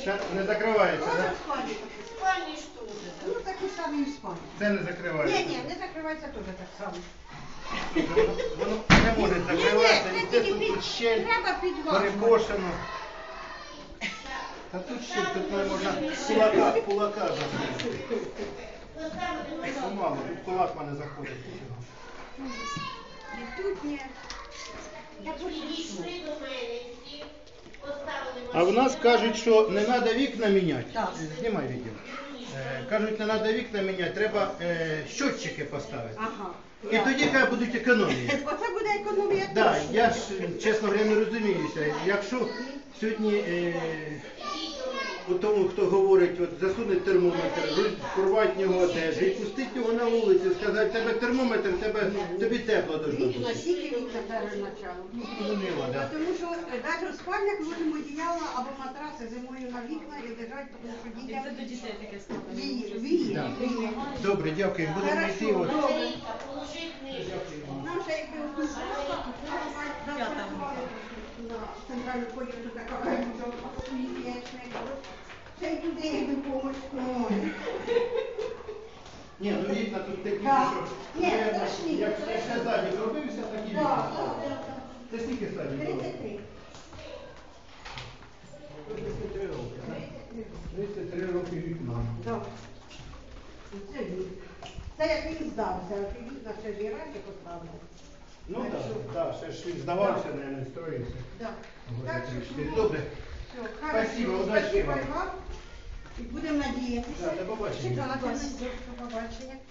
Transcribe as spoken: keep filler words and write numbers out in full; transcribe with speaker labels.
Speaker 1: Це не закривається,
Speaker 2: Можна
Speaker 1: так?
Speaker 2: в спальні.
Speaker 3: Спальні ж теж.
Speaker 2: Ну такі самі і в спальні.
Speaker 1: Це не закривається.
Speaker 2: Ні, ні, не закривається теж так само.
Speaker 1: Воно, воно не може закриватися,
Speaker 2: Ні, ні,
Speaker 1: і
Speaker 2: це
Speaker 1: це
Speaker 2: тільки
Speaker 1: тут
Speaker 2: під-
Speaker 1: щель
Speaker 2: треба підважувати.
Speaker 1: перекошено. Та тут щель, тут не можна кулака, кулака заходити. Помалу, тут кулак в мене заходить.
Speaker 2: І тут ні. Я хочу
Speaker 3: Підійшли до мене всі, поставили
Speaker 1: А в нас кажуть, що не треба вікна міняти.
Speaker 2: Так.
Speaker 1: Знімай відео. Е, Кажуть, не треба вікна міняти, треба е, щотчики поставити.
Speaker 2: Ага.
Speaker 1: І тоді хай будуть економії.
Speaker 2: Оце буде економія.
Speaker 1: Да,
Speaker 2: точно.
Speaker 1: я ж, чесно говоря, не розуміюся. Якщо сьогодні е, у тому, хто говорить, от засунуть термометр, порвати в нього одежу і пустити його на вулицю, сказати, тебе термометр, тебе, тобі тепло должно
Speaker 2: Вікна,
Speaker 1: бути.
Speaker 2: скільки вікна перезначало.
Speaker 1: Ну, зрозуміло, да.
Speaker 2: Тому що навіть в спальнях можемо одіяла або матраси зимою на вікна і лежать, тому що
Speaker 4: І
Speaker 2: дітям
Speaker 4: це до дітей таке ставлено.
Speaker 2: віє, віє,
Speaker 1: Да.
Speaker 2: віє.
Speaker 1: Добре, дякую. Будемо йти. От.
Speaker 2: Добре.
Speaker 3: положи книжку.
Speaker 2: Нам ще якби одну на центральну почту така смієчник. Ще й туди якби помочь.
Speaker 1: Ні, ну вікна тут такі,
Speaker 2: Да.
Speaker 1: що...
Speaker 2: Ні,
Speaker 1: я-
Speaker 2: страшні.
Speaker 1: Як ще задні робився, такі вікна.
Speaker 2: Так, так, так.
Speaker 1: Це скільки стадій?
Speaker 2: тридцять три.
Speaker 1: тридцять три роки, так? тридцять три роки вікна.
Speaker 2: Так. Це він. Це як він здався, а ті вікна ще ж і раніше поставили.
Speaker 1: Ну так, так, ще ж він здавався, не строївся.
Speaker 2: Так.
Speaker 1: Года
Speaker 2: Так що,
Speaker 1: три-чотири.
Speaker 2: ну,
Speaker 1: Добре.
Speaker 2: все,
Speaker 1: Спасибо,
Speaker 2: хорошо.
Speaker 1: удачі
Speaker 2: Спасибо
Speaker 1: вам.
Speaker 2: і вам. І будемо надіятися.
Speaker 1: Да, до побачення.
Speaker 2: Чекати на побачення.